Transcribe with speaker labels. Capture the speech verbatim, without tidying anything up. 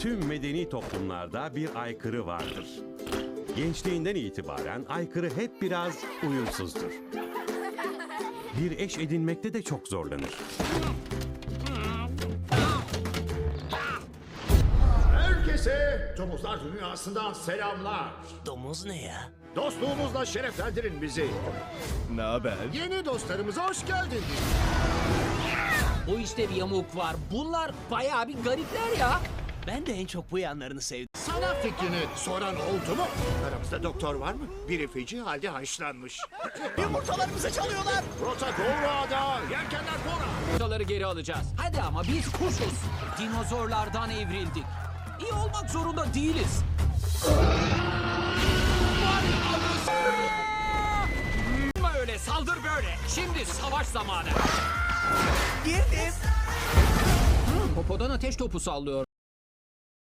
Speaker 1: Tüm medeni toplumlarda bir aykırı vardır. Gençliğinden itibaren aykırı hep biraz uyumsuzdur. Bir eş edinmekte de çok zorlanır.
Speaker 2: Herkese Domuzlar Dünyası'ndan selamlar.
Speaker 3: Domuz ne ya?
Speaker 2: Dostluğumuzla şereflendirin bizi.
Speaker 4: Ne haber?
Speaker 2: Yeni dostlarımıza hoş geldiniz.
Speaker 3: Bu işte bir yamuk var. Bunlar bayağı bir garipler ya.
Speaker 5: Ben de en çok bu yanlarını sevdim.
Speaker 2: Sana fikrini soran oldu mu? Aramızda doktor var mı? Biri feci halde haşlanmış.
Speaker 5: Yumurtalarımızı çalıyorlar.
Speaker 2: Rota doğru ada, yelkenler fora.
Speaker 3: Yumurtaları geri alacağız. Hadi ama biz kuşuz. Dinozorlardan evrildik. İyi olmak zorunda değiliz. Vay öyle saldır böyle. Şimdi savaş zamanı.
Speaker 5: Girdim.
Speaker 3: Popodan ateş topu sallıyor.